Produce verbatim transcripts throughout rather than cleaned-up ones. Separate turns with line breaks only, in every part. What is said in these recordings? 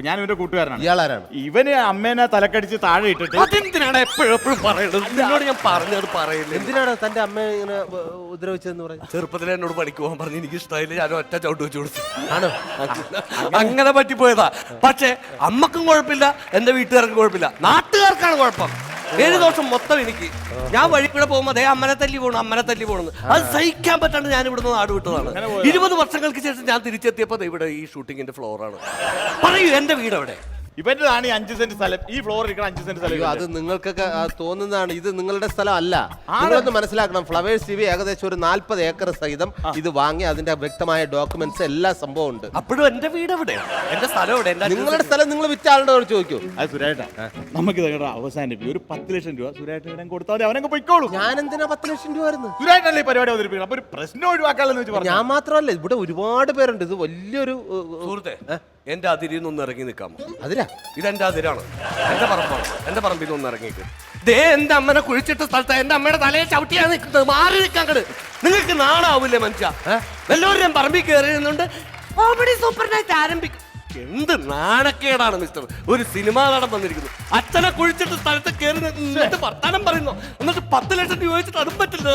ഞാൻ ഇവന്റെ കൂട്ടുകാരനാണ്.
ഇയാളാരാണ്?
ഇവന് അമ്മേനെ തലക്കടിച്ച് താഴെ ഇട്ടിട്ട്
അതെന്തിനാണ് എപ്പോഴും എപ്പോഴും പറയുന്നത്? നിന്നോട് ഞാൻ പറഞ്ഞത് പറയില്ല.
എന്തിനാണ് തന്റെ അമ്മ ഇങ്ങനെ ഉപദ്രവിച്ചതെന്ന് പറഞ്ഞു?
ചെറുപ്പത്തിൽ എന്നോട് പണിക്ക് പോകാൻ പറഞ്ഞു, എനിക്ക് ഇഷ്ടമായില്ല, ഞാൻ ഒറ്റ ചവിട്ട് വെച്ച് കൊടുത്തു.
ആണോ?
അങ്ങനെ പറ്റിപ്പോയതാ. പക്ഷെ അമ്മക്കും കുഴപ്പമില്ല, എന്റെ വീട്ടുകാർക്കും കുഴപ്പമില്ല, നാട്ടുകാർക്കാണ് കുഴപ്പം. ഏഴ് ദിവസം മൊത്തം എനിക്ക്. ഞാൻ വഴി കൂടെ പോകുമ്പോ അതേ അമ്മനെ തല്ലി പോകണം, അമ്മനെ തല്ലി പോകണം. അത് സഹിക്കാൻ പറ്റാണ്ട് ഞാൻ ഇവിടുന്ന് നാട് വിട്ടതാണ്. ഇരുപത് വർഷങ്ങൾക്ക് ശേഷം ഞാൻ തിരിച്ചെത്തിയപ്പോ ഇവിടെ ഈ ഷൂട്ടിങ്ങിന്റെ ഫ്ലോറാണ്. പറയൂ, എന്റെ വീട് എവിടെ?
ഇവന്റെതാണ് ഈ അഞ്ച് സെന്റ് സ്ഥലം. ഈ ഫ്ലോർ ഇരിക്കണം അഞ്ച് സെന്റ് സ്ഥലം.
അത് നിങ്ങൾക്കൊക്കെ തോന്നുന്നതാണ്, ഇത് നിങ്ങളുടെ സ്ഥലം അല്ല. നിങ്ങളൊന്ന് മനസ്സിലാക്കണം. ഫ്ലവേഴ്സ് ടി വി ഏകദേശം ഒരു നാല്പത് ഏക്കർ സഹിതം ഇത് വാങ്ങി അതിന്റെ വ്യക്തമായ ഡോക്യുമെന്റ്സ് എല്ലാ സംഭവം ഉണ്ട്.
അപ്പോഴും എന്റെ വീട് എവിടെ? എന്റെ സ്ഥലം എവിടെ?
നിങ്ങളുടെ സ്ഥലം നിങ്ങൾ വിറ്റ ആളുടെ ചോദിക്കൂ.
അത് സുരേട്ടാ, നമുക്ക് ഇതങ്ങടെ അവസാനിപ്പിക്കും. ഒരു പത്ത് ലക്ഷം രൂപ സുരേട്ടൻ കൊടുത്താൽ അവനൊക്കെ പൊയ്ക്കോളൂ.
ഞാൻ എന്തിനാ പത്ത് ലക്ഷം രൂപ വരുന്നത്?
സുരേട്ടല്ലേ ഈ പരിപാടി അവതരിപ്പിക്കണം. അപ്പൊ ഒരു പ്രശ്നം ഒഴിവാക്കാലെന്ന് വെച്ച് പറഞ്ഞു.
ഞാൻ മാത്രമല്ല, ഇവിടെ ഒരുപാട് പേരുണ്ട്. ഇത് വലിയൊരു
സുഹൃത്തെ, എന്റെ അതിരിൽ നിന്ന് ഇറങ്ങി നിൽക്കാമോ?
അതിരാ,
ഇതെന്റെ അതിരാണ്, എന്റെ പറമ്പാണ്. എന്റെ പറമ്പിൽ നിന്ന് ഇറങ്ങിയിട്ട് ദേ എന്റെ അമ്മനെ കുഴിച്ചിട്ട സ്ഥലത്ത് എന്റെ അമ്മയുടെ തലയെ ചവിട്ടിയാണ് നിൽക്കുന്നത്. മാറി നിൽക്കാൻ കണ്ട് നിങ്ങൾക്ക് നാണാവൂലേ മനുഷ്യ? എല്ലാവരും പറമ്പിൽ കയറി നിന്നുണ്ട് കോമഡി സൂപ്പർ നൈറ്റ് ആരംഭിക്കും. എന്ത് നാണക്കേടാണ് മിസ്റ്റർ. ഒരു സിനിമാ നടൻ വന്നിരിക്കുന്നു, അച്ഛനെ കുഴിച്ചിട്ട് സ്ഥലത്ത് കയറി നിന്നിട്ട് വർത്താനം പറയുന്നു, എന്നിട്ട് പത്ത് ലക്ഷം രൂപ വെച്ചിട്ട് അതും പറ്റില്ല.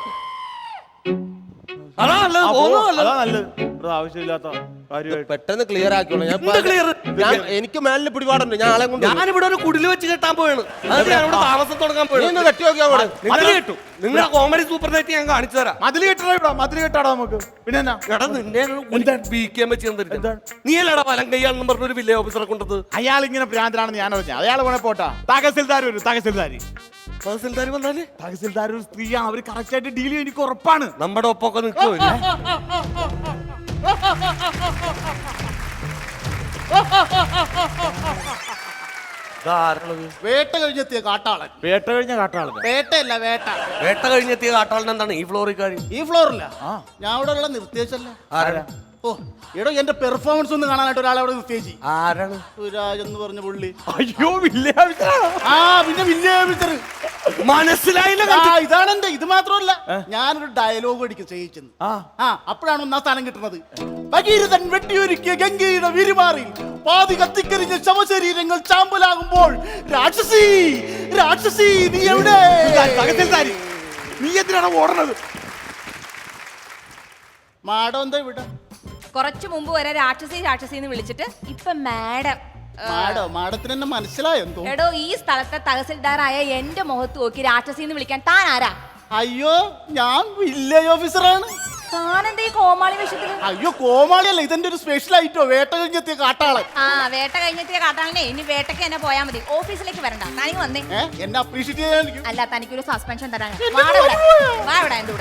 അതാ നല്ലത്.
ആവശ്യമില്ലാത്ത കാര്യമായിട്ട്
പെട്ടെന്ന് ക്ലിയർ ആക്കിയോളൂ. ഞാൻ എനിക്ക് മേലിൽ പിടിപാടുണ്ട്. ഞാൻ ആളെ കൊണ്ട്
ഞാനിവിടെ ഒരു കുടില് വെച്ച് കെട്ടാൻ പോയാണ്. ഞാനിവിടെ താമസം തുടങ്ങാൻ പോയാണ്.
കെട്ടി നോക്കിയാൽ
നിങ്ങളുടെ കോമഡി സൂപ്പർ നൈറ്റ് ഞാൻ കാണിച്ചു തരാം.
മതില് കെട്ടാ മതില് കെട്ടാടാ നമുക്ക്. പിന്നെ
എടാ നിന്നെ ബിക്കാൻ വെച്ച് നീ അല്ലടാ വലം കയ്യാണെന്ന് പറഞ്ഞൊരു വില്ലേജ് ഓഫീസറെ കൊണ്ടത്.
അയാൾ ഇങ്ങനെ ഭ്രാന്തനാണെന്ന് ഞാൻ അറിഞ്ഞു. അയാൾ വേണേ പോട്ടാ. തഹസിൽദാർ വരും. തഹസിൽദാരി
തഹസിൽദാർ വന്നാല്
തഹസിൽദാർ ഒരു സ്ത്രീയാണ്. അവര് കറക്റ്റ് ആയിട്ട് ഡീൽ ചെയ്യും, എനിക്ക് ഉറപ്പാണ്.
നമ്മുടെ ഒപ്പൊക്കെ നിൽക്കുമല്ലേ?
വേട്ട കഴിഞ്ഞെത്തിയ കാട്ടാളൻ.
വേട്ട കഴിഞ്ഞ കാട്ടാളൻ.
വേട്ടയല്ല, വേട്ട.
വേട്ട കഴിഞ്ഞെത്തിയ കാട്ടാളൻ എന്താണ് ഈ ഫ്ലോറിൽ കാര്യം?
ഈ ഫ്ലോറില്ല, ഞാൻ ഇവിടെ ഉള്ള നിർത്തിയച്ചല്ലേ.
ആരാ?
ഓ എടോ, എന്റെ പെർഫോമൻസ് ഒന്ന് കാണാനായിട്ട് ഒരാളെ അവിടെ നിർത്തിയേച്ചി.
ആരാണ്?
സുരാജ് എന്ന് പറഞ്ഞ പുള്ളി.
അയ്യോ, വില്ലേജ്.
ആ പിന്നെ വില്ലേജ്
മനസ്സിലായില്ല.
ഇതാണ് എന്റെ. ഇത് മാത്രമല്ല, ഞാനൊരു ഡയലോഗ് അടിക്കും ചെയ്യിച്ചെന്ന്. ആ അപ്പോഴാണ് ഒന്നാം സ്ഥാനം കിട്ടുന്നത്. ഭഗീരഥൻ വെട്ടിയൊരുക്കിയ ഗംഗയുടെ വിരുമാറി പാതി കത്തിക്കരിഞ്ഞ ശവശരീരങ്ങൾ ചാമ്പലാകുമ്പോൾ രാക്ഷസി രാക്ഷസി നീ എവിടെ?
നീ എന്തിനാണ് ഓടണത്?
മാഡം എന്താ ഇവിടെ?
കുറച്ചു മുമ്പ് വരെ രാക്ഷസി രാക്ഷസി എന്ന് വിളിച്ചിട്ട് ഇപ്പൊ മാഡം.
മാഡം മാഡത്തിന് എന്നെ മനസ്സിലായെന്തോ?
എടോ, ഈ സ്ഥലത്തെ തഹസിൽദാറായ എന്റെ മുഖത്ത് നോക്കി രാക്ഷസി എന്ന് വിളിക്കാൻ താൻ ആരാ?
അയ്യോ, ഞാൻ വില്ലേജ് ഓഫീസറാണ്.
താനെന്താ ഈ കോമാളി വേഷത്തില്?
അയ്യോ, കോമാളിയല്ല, ഇതെന്റെ ഒരു സ്പെഷ്യൽ ഐറ്റോ. വേട്ട കഴിഞ്ഞെത്തിയ കാട്ടാളൻ.
ആ വേട്ട കഴിഞ്ഞെത്തിയ കാട്ടാളനെ ഇനി വേട്ടയ്ക്ക് തന്നെ പോയാൽ മതി, ഓഫീസിലേക്ക് വരണ്ട. തനിക്ക് വന്നേ.
എന്നെ അപ്രീഷിയേറ്റ് ചെയ്യാൻ
അല്ല, തനിക്കൊരു സസ്പെൻഷൻ തരാൻ. വാ ഇവിടെ, വാ ഇവിടെ.